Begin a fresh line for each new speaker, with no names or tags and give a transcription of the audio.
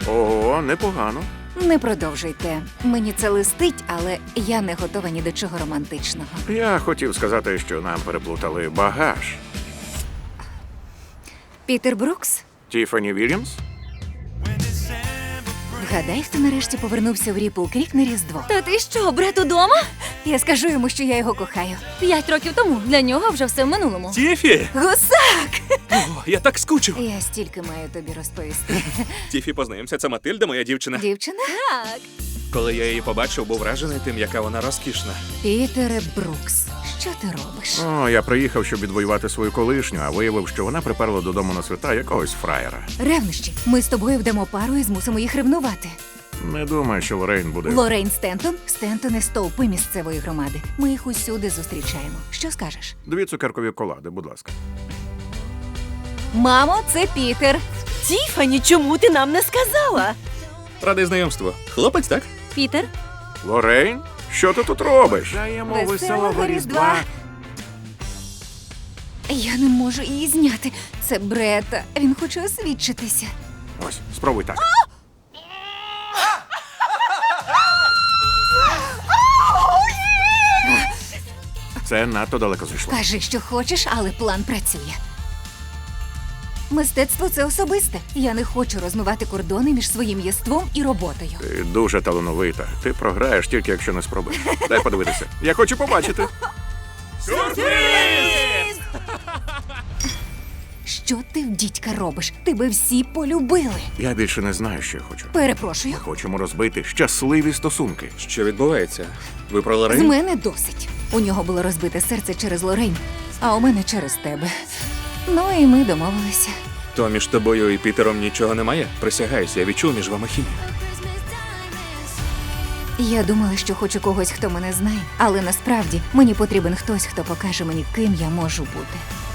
Ого, непогано.
Не продовжуйте. Мені це листить, але я не готова ні до чого романтичного.
Я хотів сказати, що нам переплутали багаж.
Пітер Брукс?
Тіфані Вільямс?
Вгадай, хто нарешті повернувся в Ріпл Крік на Різдво.
Та ти що, брат удома?
Я скажу йому, що я його кохаю.
5 років тому. Для нього вже все в минулому.
Тіфі!
Гусак!
О, я так скучив.
Я стільки маю тобі розповісти.
Тіфі, познайомся, це Матильда, моя дівчина.
Дівчина?
Так.
Коли я її побачив, був вражений тим, яка вона розкішна.
Пітере Брукс, що ти робиш?
О, я приїхав, щоб відвоювати свою колишню, а виявив, що вона приперла додому на свята якогось фраєра.
Ревнощі. Ми з тобою вдамо пару і змусимо їх ревнувати.
Не думаю, що Лорейн буде.
Лорейн Стентон? Стентони – стовпи місцевої громади. Ми їх усюди зустрічаємо. Що скажеш?
2 цукеркові колади, будь ласка.
Мамо, це Пітер.
Тіфані, чому ти нам не сказала?
Радий знайомству. Хлопець, так?
Пітер?
Лорейн? Що ти тут робиш? Даємо
Веселого Різдва. Я не можу її зняти. Це Брета. Він хоче освідчитися.
Ось, спробуй так. Це надто далеко зайшло.
Кажи, що хочеш, але план працює. Мистецтво – це особисте. Я не хочу розмивати кордони між своїм єством і роботою.
Ти дуже талановита. Ти програєш тільки, якщо не спробуєш. Дай подивитися. Я хочу побачити.
Що ти в дідька робиш? Тебе всі полюбили.
Я більше не знаю, що я хочу.
Перепрошую.
Ми хочемо розбити щасливі стосунки.
Що відбувається? Ви про
З
Лорейн?
мене досить. У нього було розбите серце через Лорейн, а у мене через тебе. Ну і ми домовилися.
То між тобою і Пітером нічого немає? Присягаюся, я відчув між вами хімію.
Я думала, що хочу когось, хто мене знає, але насправді мені потрібен хтось, хто покаже мені, ким я можу бути.